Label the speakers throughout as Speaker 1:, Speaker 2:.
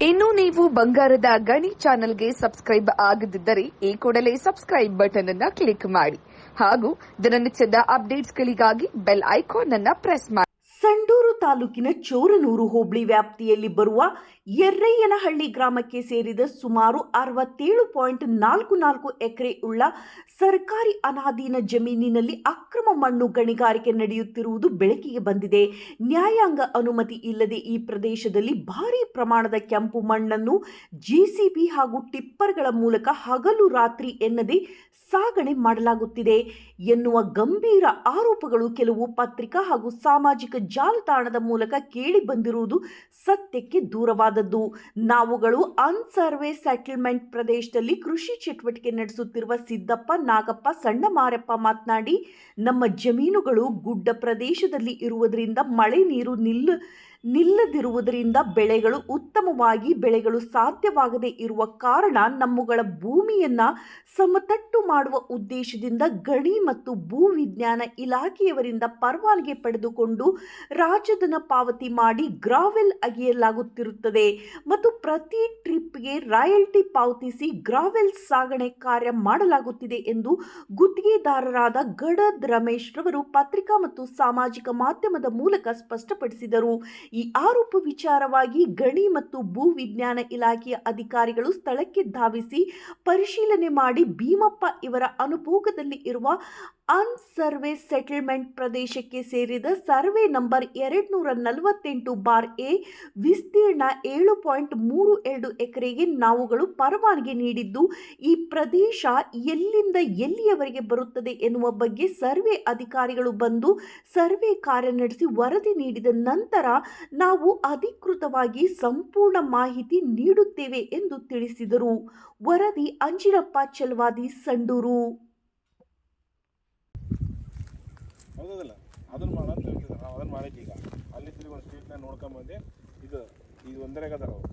Speaker 1: ಇನ್ನು ನೀವು ಬಂಗಾರದ ಗಣಿ ಚಾನೆಲ್ಗೆ ಸಬ್ಸ್ಕ್ರೈಬ್ ಆಗದಿದ್ದರೆ ಈ ಕೂಡಲೇ ಸಬ್ಸ್ಕ್ರೈಬ್ ಬಟನ್ ಅನ್ನು ಕ್ಲಿಕ್ ಮಾಡಿ ಹಾಗೂ ದಿನನಿತ್ಯದ ಅಪ್ಡೇಟ್ಸ್ಗಳಿಗಾಗಿ ಬೆಲ್ ಐಕಾನ್ ಅನ್ನು ಪ್ರೆಸ್ ಮಾಡಿ.
Speaker 2: ಸಂಡೂರು ತಾಲೂಕಿನ ಚೋರನೂರು ಹೋಬಳಿ ವ್ಯಾಪ್ತಿಯಲ್ಲಿ ಬರುವ ಯರ್ರಯ್ಯನಹಳ್ಳಿ ಗ್ರಾಮಕ್ಕೆ ಸೇರಿದ ಸುಮಾರು 67.44 ಎಕರೆ ಉಳ್ಳ ಸರ್ಕಾರಿ ಅನಾಧೀನ ಜಮೀನಿನಲ್ಲಿ ಅಕ್ರಮ ಮಣ್ಣು ಗಣಿಗಾರಿಕೆ ನಡೆಯುತ್ತಿರುವುದು ಬೆಳಕಿಗೆ ಬಂದಿದೆ. ನ್ಯಾಯಾಂಗ ಅನುಮತಿ ಇಲ್ಲದೆ ಈ ಪ್ರದೇಶದಲ್ಲಿ ಭಾರೀ ಪ್ರಮಾಣದ ಕೆಂಪು ಮಣ್ಣನ್ನು ಜೆಸಿಬಿ ಹಾಗೂ ಟಿಪ್ಪರ್ಗಳ ಮೂಲಕ ಹಗಲು ರಾತ್ರಿ ಎನ್ನದೇ ಸಾಗಣೆ ಮಾಡಲಾಗುತ್ತಿದೆ ಎನ್ನುವ ಗಂಭೀರ ಆರೋಪಗಳು ಕೆಲವು ಪತ್ರಿಕಾ ಹಾಗೂ ಸಾಮಾಜಿಕ ಜಾಲತಾಣದ ಮೂಲಕ ಕೇಳಿ ಬಂದಿರುವುದು ಸತ್ಯಕ್ಕೆ ದೂರವಾದದ್ದು. ನಾವುಗಳು ಅನ್ಸರ್ವೆ ಸೆಟಲ್ಮೆಂಟ್ ಪ್ರದೇಶದಲ್ಲಿ ಕೃಷಿ ಚಟುವಟಿಕೆ ನಡೆಸುತ್ತಿರುವ ಸಿದ್ದಪ್ಪ, ನಾಗಪ್ಪ, ಸಣ್ಣ ಮಾರಪ್ಪ ಮಾತನಾಡಿ, ನಮ್ಮ ಜಮೀನುಗಳು ಗುಡ್ಡ ಪ್ರದೇಶದಲ್ಲಿ ಇರುವುದರಿಂದ ಮಳೆ ನೀರು ನಿಲ್ಲದಿರುವುದರಿಂದ ಉತ್ತಮವಾಗಿ ಬೆಳೆಗಳು ಸಾಧ್ಯವಾಗದೇ ಇರುವ ಕಾರಣ ನಮ್ಮಗಳ ಭೂಮಿಯನ್ನ ಸಮತಟ್ಟು ಮಾಡುವ ಉದ್ದೇಶದಿಂದ ಗಣಿ ಮತ್ತು ಭೂ ವಿಜ್ಞಾನ ಇಲಾಖೆಯವರಿಂದ ಪರವಾನಗಿ ಪಡೆದುಕೊಂಡು ರಾಜಧನ ಪಾವತಿ ಮಾಡಿ ಗ್ರಾವೆಲ್ ಅಗೆಯಲಾಗುತ್ತಿರುತ್ತದೆ ಮತ್ತು ಪ್ರತಿ ಟ್ರಿಪ್ಗೆ ರಾಯಲ್ಟಿ ಪಾವತಿಸಿ ಗ್ರಾವೆಲ್ ಸಾಗಣೆ ಕಾರ್ಯ ಮಾಡಲಾಗುತ್ತಿದೆ ಎಂದು ಗುತ್ತಿಗೆದಾರರಾದ ಗಡದ್ ರಮೇಶ್ ರವರು ಪತ್ರಿಕಾ ಮತ್ತು ಸಾಮಾಜಿಕ ಮಾಧ್ಯಮದ ಮೂಲಕ ಸ್ಪಷ್ಟಪಡಿಸಿದರು. ಈ ಆರೋಪ ವಿಚಾರವಾಗಿ ಗಣಿ ಮತ್ತು ಭೂ ವಿಜ್ಞಾನ ಇಲಾಖೆಯ ಅಧಿಕಾರಿಗಳು ಸ್ಥಳಕ್ಕೆ ಧಾವಿಸಿ ಪರಿಶೀಲನೆ ಮಾಡಿ ಭೀಮಪ್ಪ ಇವರ ಅನುಭೋಗದಲ್ಲಿ ಇರುವ ಅನ್ಸರ್ವೆ ಸೆಟಲ್ಮೆಂಟ್ ಪ್ರದೇಶಕ್ಕೆ ಸೇರಿದ ಸರ್ವೆ ನಂಬರ್ 248/A ವಿಸ್ತೀರ್ಣ 7.32 ಎಕರೆಗೆ ನಾವುಗಳು ಪರವಾನಗಿ ನೀಡಿದ್ದು, ಈ ಪ್ರದೇಶ ಎಲ್ಲಿಂದ ಎಲ್ಲಿಯವರೆಗೆ ಬರುತ್ತದೆ ಎನ್ನುವ ಬಗ್ಗೆ ಸರ್ವೆ ಅಧಿಕಾರಿಗಳು ಬಂದು ಸರ್ವೆ ಕಾರ್ಯ ನಡೆಸಿ ವರದಿ ನೀಡಿದ ನಂತರ ನಾವು ಅಧಿಕೃತವಾಗಿ ಸಂಪೂರ್ಣ ಮಾಹಿತಿ ನೀಡುತ್ತೇವೆ ಎಂದು ತಿಳಿಸಿದರು. ವರದಿ ಅಂಜಿನಪ್ಪ ಚಲವಾದಿ, ಸಂಡೂರು.
Speaker 3: ಹೌದಲ್ಲ, ಅದನ್ನು ಮಾಡೋಣ ಅಂತ ಹೇಳ್ತಿದ್ದಾರೆ. ನಾವು ಅದನ್ನು ಮಾಡೈತಿ. ಈಗ ಅಲ್ಲಿ ತಿರುಗಿ ಒಂದು ಸ್ಟ್ರೀಟ್ನ ನೋಡ್ಕೊಂಬಂದೆ. ಇದು ಒಂದರೆಗದಾರ ಅವರು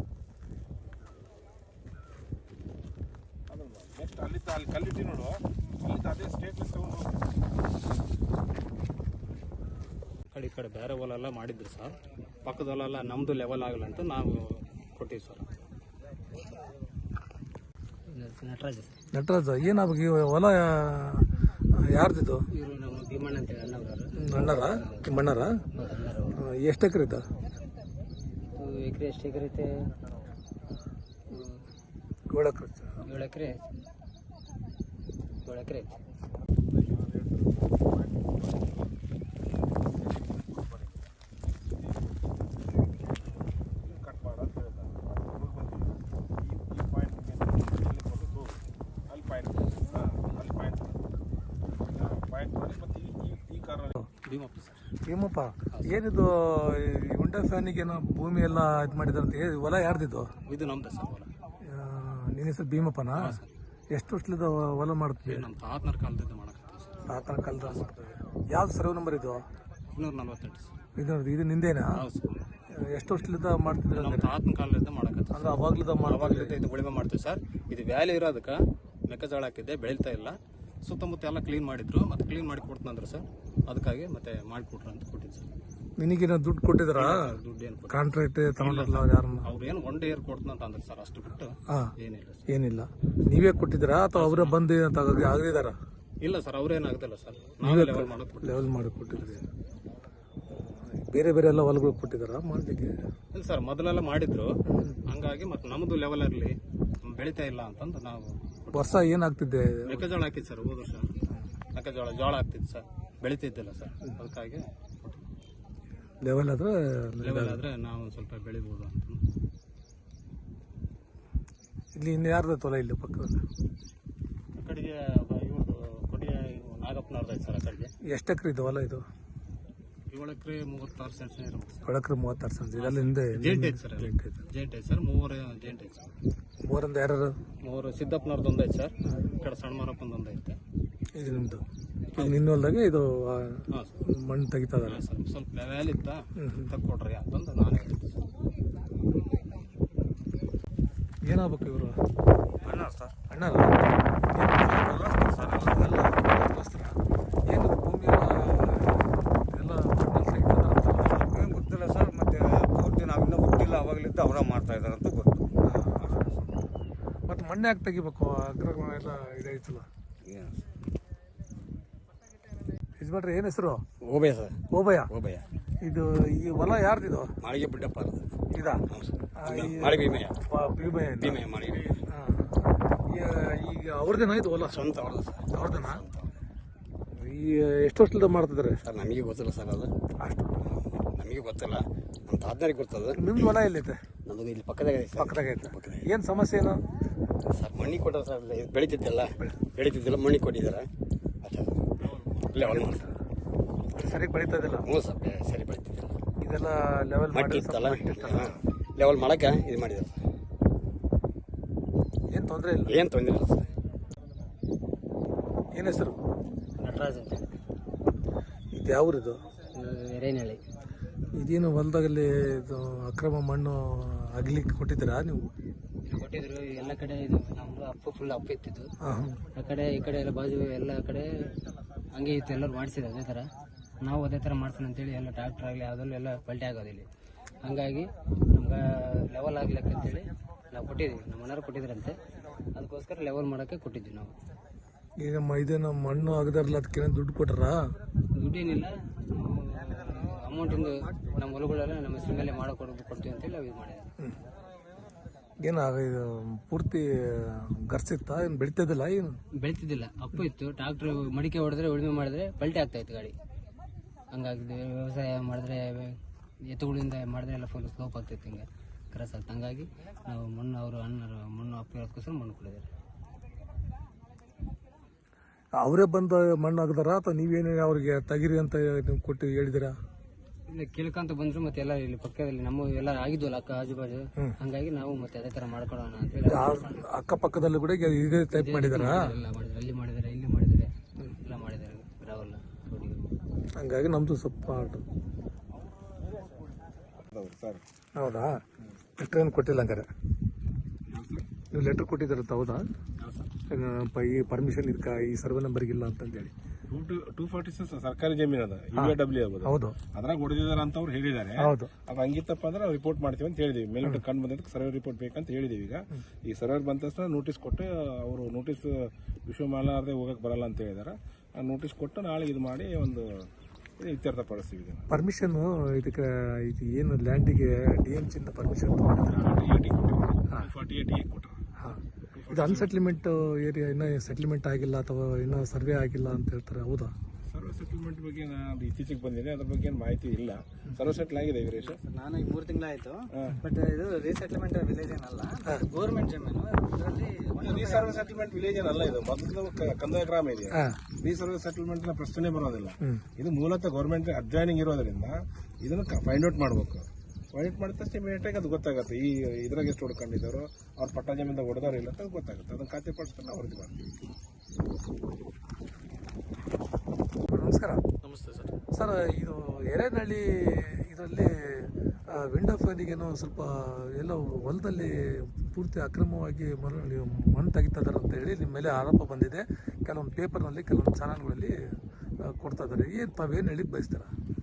Speaker 3: ಅದನ್ನು ನೆಕ್ಸ್ಟ್ ಅಲ್ಲಿದ್ದ ಅಲ್ಲಿ ಕಲ್ಲಿಟ್ಟು ನೋಡು, ಅಲ್ಲಿದ್ದ ಅದೇ ಸ್ಟೇಟ್ನ ತಗೊಂಡು
Speaker 4: ಈ ಕಡೆ ಬೇರೆ ಹೊಲೆಲ್ಲ ಮಾಡಿದ್ರು ಸರ್. ಪಕ್ಕದ ಹೊಲೆಲ್ಲ ನಮ್ಮದು ಲೆವೆಲ್ ಆಗಲ್ಲ ಅಂತ ನಾವು ಕೊಟ್ಟಿವಿ ಸರ್.
Speaker 5: ನಟರಾಜ ಏನಾಗಬೇಕು? ಹೊಲ ಯಾರ್ದಿದ್ದು?
Speaker 4: ಇವರು ನಮ್ಮ ಭೀಮಣ್ಣ ಅಂತೇಳಿ
Speaker 5: ಅಣ್ಣರ ಎಷ್ಟು ಎಕರೆ ಇದ್ದ?
Speaker 4: ಎಕರೆ ಎಷ್ಟು ಎಕರೆ ಐತೆ?
Speaker 5: 7 ಎಕರೆ.
Speaker 4: 7 ಎಕರೆ ಐತೆ.
Speaker 3: ಕಟ್ ಮಾಡ ಅಂತ ಹೇಳ್ತಾರೆ. ಈ ಪಾಯಿಂಟ್ ಅಲ್ಲಿ ಪಾಯಿಂಟ್ ಮಾಡಿ ಮತ್ತು ಈ ಕಾರಣ
Speaker 4: ಭೀಮಪ್ಪ ಸರ್.
Speaker 5: ಭೀಮಪ್ಪ ಏನಿದು ಉಂಟಾ ಫ್ಯಾನಿಗೇನೋ ಭೂಮಿ ಎಲ್ಲ ಇದು ಮಾಡಿದಾರಂತ? ಹೊಲ ಯಾರ್ದಿದ್ದು?
Speaker 4: ಇದು ನಮ್ದು ಸರ್ ಹೊಲ.
Speaker 5: ನಿನ್ನ ಹೆಸರು ಭೀಮಪ್ಪನಾ? ಎಷ್ಟು ವರ್ಷದ ಹೊಲ ಮಾಡ್ತೀವಿ?
Speaker 4: ನಮ್ಮ ತಾತನರ ಕಾಲದಿಂದ ಮಾಡಕತ್ತೀವಿ ಸರ್.
Speaker 5: ತಾತನ ಕಾಲದ ಮಾಡ್ತೀವಿ. ಯಾವ್ದು ಸರ್ವೆ ನಂಬರ್ ಇದು?
Speaker 4: 248 ಸರ್.
Speaker 5: ಇದು ನಿಂದೇನಾ?
Speaker 4: ಹೌದು ಸರ್.
Speaker 5: ಎಷ್ಟು ವರ್ಷದಿಂದ ಮಾಡ್ತಿದ್ರೆ?
Speaker 4: ನಮ್ಮ ತಾತನ ಕಾಲದಿಂದ ಮಾಡಕತ್ತೀವಿ.
Speaker 5: ಅಂದ್ರೆ ಅವಾಗ್ಲದ
Speaker 4: ಇದು ಉಳಿಮೆ ಮಾಡ್ತೀವಿ ಸರ್. ಇದು ವ್ಯಾಲಿ ಇರೋದಕ್ಕೆ ಮೆಕ್ಕೆಜೋಳ ಹಾಕಿದ್ದೆ, ಬೆಳೀತಾ ಇಲ್ಲ. ಸುತ್ತಮುತ್ತ ಎಲ್ಲ ಕ್ಲೀನ್ ಮಾಡಿದ್ರು, ಮತ್ತೆ ಕ್ಲೀನ್ ಮಾಡಿ ಕೊಡ್ತಂದ್ರೆ ಸರ್, ಅದಕ್ಕಾಗಿ ಮತ್ತೆ ಮಾಡಿಕೊಟ್ರು ಅಂತ ಕೊಟ್ಟಿದ್ದು ಸರ್.
Speaker 5: ನಿನಗೇನೋ ದುಡ್ಡು ಕೊಟ್ಟಿದ್ರ?
Speaker 4: ದುಡ್ಡು ಏನು
Speaker 5: ಕಾಂಟ್ರಾಕ್ಟ್ ತಗೊಂಡ್ರಲ್ಲ ಯಾರನ್ನ?
Speaker 4: ಅವ್ರು ಏನು 1 ಇಯರ್ ಕೊಡ್ತಂತ ಅಂದ್ರೆ ಸರ್, ಅಷ್ಟು ಬಿಟ್ಟು ಏನಿಲ್ಲ ಸರ್.
Speaker 5: ಏನಿಲ್ಲ. ನೀವೇ ಕೊಟ್ಟಿದ್ದೀರಾ ಅಥವಾ ಅವರೇ ಬಂದು ಆಗಿದಾರ?
Speaker 4: ಇಲ್ಲ ಸರ್, ಅವ್ರೇನಾಗುದಿಲ್ಲ ಸರ್, ನಾವೇ
Speaker 5: ಲೆವೆಲ್ ಮಾಡಿ ಕೊಟ್ಟಿದ್ರಿ. ಬೇರೆ ಬೇರೆ ಎಲ್ಲ ಹೊಲಗಳು ಕೊಟ್ಟಿದಾರ ಮಾಡ್ಲಿಕ್ಕೆ?
Speaker 4: ಇಲ್ಲ ಸರ್, ಮೊದಲೆಲ್ಲ ಮಾಡಿದ್ರು, ಹಂಗಾಗಿ ಮತ್ತೆ ನಮ್ದು ಲೆವೆಲ್ ಇರಲಿ, ಬೆಳೀತಾ ಇಲ್ಲ ಅಂತಂದು ನಾವು.
Speaker 5: ವರ್ಷ ಏನಾಗ್ತಿದ್ದೆ?
Speaker 4: ಮೆಕ್ಕೆಜೋಳ ಹಾಕಿದ್ ಸರ್, ಹೋದ ವರ್ಷ ಜೋಳ ಹಾಕ್ತಿದ್ದು ಸರ್, ಬೆಳೀತಿದ್ದಿಲ್ಲ ಸರ್, ಅದಕ್ಕಾಗಿ
Speaker 5: ಲೆವೆಲ್ ಆದ್ರೆ
Speaker 4: ನಾವು ಸ್ವಲ್ಪ ಬೆಳಿಬೋದು ಅಂತ.
Speaker 5: ಇಲ್ಲಿ ಇನ್ನು ಯಾರ್ದು ಹೊಲ ಇಲ್ಲಿ ಪಕ್ಕದಲ್ಲಿ?
Speaker 4: ಆ ಕಡೆಗೆ ಇವ್ರದ್ದು ಕೊಟ್ಟಿಗೆ ನಾಗಪ್ಪನವ್ರದ್ದು ಸರ್. ಆ ಕಡೆಗೆ
Speaker 5: ಎಷ್ಟು ಎಕರೆ ಇದು ಹೊಲ? ಇದು
Speaker 4: 7 ಎಕರೆ 36 ಸೆಂಟ್ಸ್ ಇರುತ್ತೆ.
Speaker 5: 7 ಎಕರೆ 36 ಸೆಂಟ್ಸ್. ಇದೆಲ್ಲ ಹಿಂದೆ
Speaker 4: ಜೇಂಟ್ ಐತೆ ಸರ್. ಜೇಂಟ್ ಐತೆ ಸರ್. 3 ಜೇಂಟ್ ಐತೆ ಸರ್.
Speaker 5: 3 ಯಾರು?
Speaker 4: 3 ಸಿದ್ದಪ್ಪನವ್ರದ್ದು ಒಂದು ಐತೆ ಸರ್. ಈ ಕಡೆ ಸಣ್ಣ ಮಾರಪ್ಪಂದು ಒಂದು ಐತೆ.
Speaker 5: ಇದು ನಿಮ್ದು? ನಿನ್ನ ಹೊಲದಾಗೆ ಇದು ಮಣ್ಣು ತೆಗಿತಾ ಇದಾರೆ
Speaker 4: ಸರ್. ಸ್ವಲ್ಪ ಲೆವೆಲ್ ಇತ್ತ ತಕ್ಕೊಡ್ರಿ ಅಂತಂದು ನಾನೇ ಹೇಳ್ತೀನಿ ಸರ್.
Speaker 5: ಏನಾಗಬೇಕು ಇವರು?
Speaker 4: ಅಣ್ಣ ಸರ್.
Speaker 5: ಅಣ್ಣಾರ ಏನು ಭೂಮಿ ಎಲ್ಲ
Speaker 6: ಗೊತ್ತಿಲ್ಲ ಸರ್. ಮತ್ತೆ ಪೂರ್ತಿ ನಾವಿನ್ನೂ ಹುಟ್ಟಿಲ್ಲ, ಅವಾಗಲಿದ್ದ ಅವರ ಮಾಡ್ತಾ ಇದಾರೆ ಅಂತ ಗೊತ್ತು.
Speaker 5: ಮಣ್ಣೆ ಯಾಕೆ ತೆಗಿಬೇಕು ಅಕ್ರಮ ಎಲ್ಲ ಇದಾಯ್ತಲ್ಲ. ಯಜಮಾನ್ರೆ ಏನು ಹೆಸರು?
Speaker 6: ಓಬಯ್ಯ ಸರ್.
Speaker 5: ಓಬಯ್ಯ.
Speaker 6: ಓಬಯ್ಯ.
Speaker 5: ಇದು ಈ ಹೊಲ ಯಾರ್ದಿದು?
Speaker 6: ಮಾಳಿಗೆ ಬಿಡ್ಡಪ್ಪ
Speaker 5: ಇದಾ?
Speaker 6: ಮಾಳಿಗೆ ಭೀಮಯ್ಯ.
Speaker 5: ಭೀಮಯ್ಯ
Speaker 6: ಮಾಳಿಗೆ.
Speaker 5: ಈಗ ಅವ್ರದ್ದೇನ ಇದು ಹೊಲ?
Speaker 6: ಸ್ವಂತ ಅವ್ರದ್ದು ಸರ್.
Speaker 5: ಅವ್ರದ್ದೇನಾ? ಈ ಎಷ್ಟು ವರ್ಷದಿಂದ ಮಾಡ್ತಿದ್ದಾರೆ
Speaker 6: ಸರ್? ನಮಗೆ ಗೊತ್ತಿಲ್ಲ ಸರ್, ಅದು
Speaker 5: ಅಷ್ಟು
Speaker 6: ನಮಗೆ ಗೊತ್ತಿಲ್ಲ, ನಮ್ಮ ತಾತನಿಗೆ ಗೊತ್ತದ.
Speaker 5: ನಿಮ್ದು ಹೊಲ ಎಲ್ಲೈತೆ?
Speaker 6: ನಮ್ಮದು ಇಲ್ಲಿ ಪಕ್ಕದಾಗ ಐತೆ.
Speaker 5: ಪಕ್ಕದಾಗ ಐತೆ. ಏನು ಸಮಸ್ಯೆ ಏನು
Speaker 6: ಸರ್? ಮಣ್ಣಿಗೆ ಕೊಟ್ಟಾರ ಸರ್, ಇದು ಬೆಳೀತಿದ್ದಿಲ್ಲ ಮಣ್ಣಿಗೆ ಕೊಟ್ಟಿದ್ದಾರೆ ಅಷ್ಟೇ. ಲೆವೆಲ್ ಮಾಡ್ತಾರೆ,
Speaker 5: ಸರಿಯಾಗಿ ಬೆಳೀತಾ ಇದ್ದಿಲ್ಲ.
Speaker 6: ಹ್ಞೂ ಸರ್, ಸರಿ ಬೆಳೀತಿದ್ದಿಲ್ಲ.
Speaker 5: ಇದೆಲ್ಲ ಲೆವೆಲ್
Speaker 6: ಮಟ್ಟಿ ಇತ್ತಲ್ಲ, ಲೆವೆಲ್ ಮಾಡಕ್ಕೆ ಇದು ಮಾಡಿದ್ದಾರೆ ಸರ್.
Speaker 5: ಏನು ತೊಂದರೆ ಇಲ್ಲ?
Speaker 6: ಏನು ತೊಂದರೆ ಇಲ್ಲ ಸರ್.
Speaker 5: ಏನು ಹೆಸರು?
Speaker 7: ನಟರಾಜ್ ಅಂತ.
Speaker 5: ಇದು ಯಾವ ಊರಿದು?
Speaker 7: ಎರೇನಹಳ್ಳಿ.
Speaker 5: ಇದೇನು ಹೊಲದಾಗಲ್ಲಿ ಇದು ಅಕ್ರಮ ಮಣ್ಣು ಅಗ್ಲಿಕ್ಕೆ ಕೊಟ್ಟಿದ್ದೀರಾ ನೀವು?
Speaker 7: ಕೊಟ್ಟಿದ್ರು ಎಲ್ಲ ಕಡೆ. ಇದು ನಮ್ದು ಅಪ್ಪು ಫುಲ್ ಅಪ್ಪು ಇತ್ತಿತ್ತು. ಆ ಕಡೆ ಈ ಕಡೆ ಎಲ್ಲ ಬಾಜು ಎಲ್ಲ ಕಡೆ ಹಂಗೆ ಇತ್ತು, ಎಲ್ಲರೂ ಮಾಡಿಸಿದ್ರು ಅದೇ ಥರ. ನಾವು ಅದೇ ಥರ ಮಾಡ್ಸೋಣ ಅಂತೇಳಿ ಎಲ್ಲ ಟ್ರ್ಯಾಕ್ಟರ್ ಆಗಲಿ ಯಾವುದಲ್ಲೂ ಎಲ್ಲ ಪಲ್ಟಿ ಆಗೋದು ಇಲ್ಲಿ. ಹಂಗಾಗಿ ನಮ್ಗೆ ಲೆವೆಲ್ ಆಗ್ಲಿಕ್ಕೆ ಅಂತೇಳಿ ನಾವು ಕೊಟ್ಟಿದ್ದೀವಿ, ನಮ್ಮ ಮನೆಯವ್ರು ಕೊಟ್ಟಿದ್ರಂತೆ. ಅದಕ್ಕೋಸ್ಕರ ಲೆವೆಲ್ ಮಾಡೋಕ್ಕೆ ಕೊಟ್ಟಿದ್ವಿ ನಾವು.
Speaker 5: ಈಗ ಇದೇನು ಮಣ್ಣು ಆಗದಾರಲ್ಲ, ಅದಕ್ಕೇನೋ ದುಡ್ಡು ಕೊಟ್ಟಾರಾ?
Speaker 7: ದುಡ್ಡೇನಿಲ್ಲ, ಅಮೌಂಟಿಂದು ನಮ್ಮ ಹೊಲಗಳೆಲ್ಲ ನಮ್ಮ ಹೆಸರು ಮೇಲೆ ಕೊಡ್ತೀವಿ ಅಂತೇಳಿ ನಾವು ಇದು ಮಾಡಿದ್ವಿ.
Speaker 5: ಏನು ಇದು ಪೂರ್ತಿ ಗರ್ಸಿತ್ತ? ಏನು ಬೆಳಿತದಿಲ್ಲ? ಏನು
Speaker 7: ಬೆಳಿತಿದ್ದಿಲ್ಲ, ಅಪ್ಪು ಇತ್ತು. ಟ್ರಾಕ್ಟರ್ ಮಡಿಕೆ ಹೊಡೆದ್ರೆ ಉಳುಮೆ ಮಾಡಿದ್ರೆ ಪಲ್ಟಿ ಆಗ್ತಾ ಇತ್ತು ಗಾಡಿ. ಹಂಗಾಗಿದೆ. ವ್ಯವಸಾಯ ಮಾಡಿದ್ರೆ ಎತ್ತುಗಳಿಂದ ಮಾಡಿದ್ರೆ ಎಲ್ಲ ಫುಲ್ ಸ್ಲೋಪ್ ಆಗ್ತಿತ್ತು, ಹಿಂಗೆ ಕ್ರಾಸ್ ಆಗ್ತದೆ. ಹಂಗಾಗಿ ನಾವು ಮಣ್ಣು ಅವರು ಅಣ್ಣರು ಮಣ್ಣು ಅಪ್ಪು ಇರೋದಕ್ಕೋಸ್ಕರ ಮಣ್ಣು ಕೊಡಿದ್ದಾರೆ.
Speaker 5: ಅವರೇ ಬಂದು ಮಣ್ಣು ಆಗದಾರ ಅಥವಾ ನೀವೇನು ಅವ್ರಿಗೆ ತೆಗಿರಿ ಅಂತ ನೀವು ಕೊಟ್ಟು ಹೇಳಿದಿರಾ?
Speaker 7: ಇಲ್ಲ, ಕೇಳ್ಕೊಂತ ಬಂದ್ರು. ಮತ್ತೆ ಎಲ್ಲ ಇಲ್ಲಿ ಪಕ್ಕದಲ್ಲಿ ನಮ್ಮ ಎಲ್ಲ ಆಗಿದ್ವಲ್ಲ ಅಕ್ಕ ಆಜು ಬಾಜು, ಹಂಗಾಗಿ ನಾವು ಮತ್ತೆ ಅದೇ ತರ ಮಾಡ್ಕೊಡೋಣ ಅಂತ ಹೇಳಿ
Speaker 5: ಅಕ್ಕಪಕ್ಕದಲ್ಲಿ ಕೂಡ ಇದೇ ಟೈಪ್ ಮಾಡಿದಾರಾ?
Speaker 7: ಎಲ್ಲ ಮಾಡಿದ್ರೆ, ಅಲ್ಲಿ ಮಾಡಿದ್ದಾರೆ, ಇಲ್ಲಿ ಮಾಡಿದ್ದಾರೆ, ಎಲ್ಲ ಮಾಡಿದ್ದಾರೆ ಗ್ರಾವಲ್ ರೋಡಿಗೆ.
Speaker 5: ಹಂಗಾಗಿ ನಮ್ದು ಸ್ವಲ್ಪ
Speaker 3: ಸರ್.
Speaker 5: ಹೌದಾ? ಲೆಟ್ರ್ ಏನು ಕೊಟ್ಟಿಲ್ಲ ಹಂಗಾರೆ? ನೀವು ಲೆಟ್ರ್ ಕೊಟ್ಟಿದ್ದೀರಂತ? ಹೌದಾ? ಈ ಪರ್ಮಿಷನ್ ಇದಕ್ಕೆ ಈ ಸರ್ವೆ ನಂಬರ್ಗೆ ಇಲ್ಲ ಅಂತಂದೇಳಿ
Speaker 3: 246 ಸರ್ಕಾರಿ ಜಮೀನು ಅದ, UAW ಆಗೋದು.
Speaker 5: ಹೌದು,
Speaker 3: ಅದ್ರಾಗ ಹೊಡೆದಿದ್ದಾರೆ ಅಂತ ಅವ್ರು ಹೇಳಿದ್ದಾರೆ.
Speaker 5: ಹೌದು.
Speaker 3: ಅದು ಹಂಗಿತ್ತಪ್ಪ ಅಂದ್ರೆ ನಾವು ರಿಪೋರ್ಟ್ ಮಾಡ್ತೀವಿ ಅಂತ ಹೇಳಿದೀವಿ. ಮೇಲ್ಗಡೆ ಕಂಡು ಬಂದಕ್ಕೆ ಸರ್ವೆ ರಿಪೋರ್ಟ್ ಬೇಕಂತ ಹೇಳಿದೀವಿ. ಈಗ ಈ ಸರ್ವೆ ಬಂದ ತಕ್ಷಣ ನೋಟಿಸ್ ಕೊಟ್ಟು ಅವರು ನೋಟಿಸ್ ಇಶ್ಯೂ ಮಾಡಲಾರದೆ ಹೋಗಕ್ಕೆ ಬರಲ್ಲ ಅಂತ ಹೇಳಿದಾರೆ. ಆ ನೋಟಿಸ್ ಕೊಟ್ಟು ನಾಳೆ ಇದು ಮಾಡಿ ಒಂದು ಇತ್ಯರ್ಥ ಪಡಿಸ್ತೀವಿ. ಇದನ್ನು
Speaker 5: ಪರ್ಮಿಷನ್ ಇದಕ್ಕೆ ಇದು ಏನು ಲ್ಯಾಂಡಿಗೆ DMC ಇಂದ ಪರ್ಮಿಷನ್
Speaker 3: 48 ಕೊಟ್ಟರು.
Speaker 5: ಇದು ಅನ್ಸೆಟ್ಲ್ಮೆಂಟ್ ಏರಿಯಾ, ಇನ್ನೂ ಸೆಟ್ಲ್ಮೆಂಟ್ ಆಗಿಲ್ಲ ಅಥವಾ ಇನ್ನೂ ಸರ್ವೆ ಆಗಿಲ್ಲ ಅಂತ ಹೇಳ್ತಾರೆ. ಹೌದಾ?
Speaker 3: ಸರ್ವೆ ಸೆಟಲ್ಮೆಂಟ್ ಬಗ್ಗೆ ನಾನು ಇತ್ತೀಚೆಗೆ ಬಂದಿದೆ, ಅದ್ರ ಬಗ್ಗೆ ಏನು ಮಾಹಿತಿ ಇಲ್ಲ. ಸರ್ವೆ ಸೆಟ್ಲ್ ಆಗಿದೆ ವೀರೇಶ್.
Speaker 8: ನಾನು ಈಗ 3 ತಿಂಗಳಾಯ್ತು. ಬಟ್ ಇದು ರೀಸೆಟ್ಲ್ಮೆಂಟ್ ವಿಲೇಜ್ ಏನಲ್ಲ, ಗೌರ್ಮೆಂಟ್ ಜಮೀನು. ಇದರಲ್ಲಿ
Speaker 3: ರೀಸರ್ವೆ ಸೆಟಲ್ಮೆಂಟ್ ವಿಲೇಜ್ ಏನಲ್ಲ, ಇದು ಮೊದಲು ಕಂದಾಯ ಗ್ರಾಮ ಇದೆ. ರೀಸರ್ವೆ ಸೆಟಲ್ಮೆಂಟ್ ಪ್ರಶ್ನೆ ಬರೋದಿಲ್ಲ. ಇದು ಮೂಲತಃ ಗೌರ್ಮೆಂಟ್ ಅಡ್ಜಾಯ್ನಿಂಗ್ ಇರೋದ್ರಿಂದ ಇದನ್ನು ಫೈಂಡ್ ಔಟ್ ಮಾಡಬೇಕು. ಫೈಂಡ್ ಮಾಡಿದ ತಕ್ಷಣ ಇಮಿಡಿಯೇಟಾಗಿ ಅದು ಗೊತ್ತಾಗುತ್ತೆ. ಈ ಇದ್ರಾಗ ಎಷ್ಟು ಹೊಡ್ಕೊಂಡಿದ್ದಾರೋ, ಅವ್ರ ಪಟ್ಟ ಜಮೀನಿಂದ ಹೊಡೆದಾರೋ ಇಲ್ಲ ಅಂತ ಗೊತ್ತಾಗುತ್ತೆ. ಅದನ್ನು ಖಾತೆ ಪಡಿಸ್ಕೊಂಡು ನಾವು ವರದಿ ಮಾಡ್ತೀವಿ.
Speaker 5: ನಮಸ್ಕಾರ.
Speaker 4: ನಮಸ್ತೆ ಸರ್.
Speaker 5: ಸರ್, ಇದು ಎರೇನಹಳ್ಳಿ ಇದರಲ್ಲಿ ವಿಂಡೋ ಫ್ಯಾನಿಗೇನೋ ಸ್ವಲ್ಪ ಎಲ್ಲ ಹೊಲದಲ್ಲಿ ಪೂರ್ತಿ ಅಕ್ರಮವಾಗಿ ಮಣ್ಣು ತೆಗಿತಾ ಇದ್ದಾರೆ ಅಂತ ಹೇಳಿ ನಿಮ್ಮ ಮೇಲೆ ಆರೋಪ ಬಂದಿದೆ. ಕೆಲವೊಂದು ಪೇಪರ್ನಲ್ಲಿ, ಕೆಲವೊಂದು ಚಾನಲ್ಗಳಲ್ಲಿ ಕೊಡ್ತಾ ಇದ್ದಾರೆ. ಏನು ತಾವೇನು ಹೇಳಿಕ್ಕೆ ಬಯಸ್ತೀರಾ?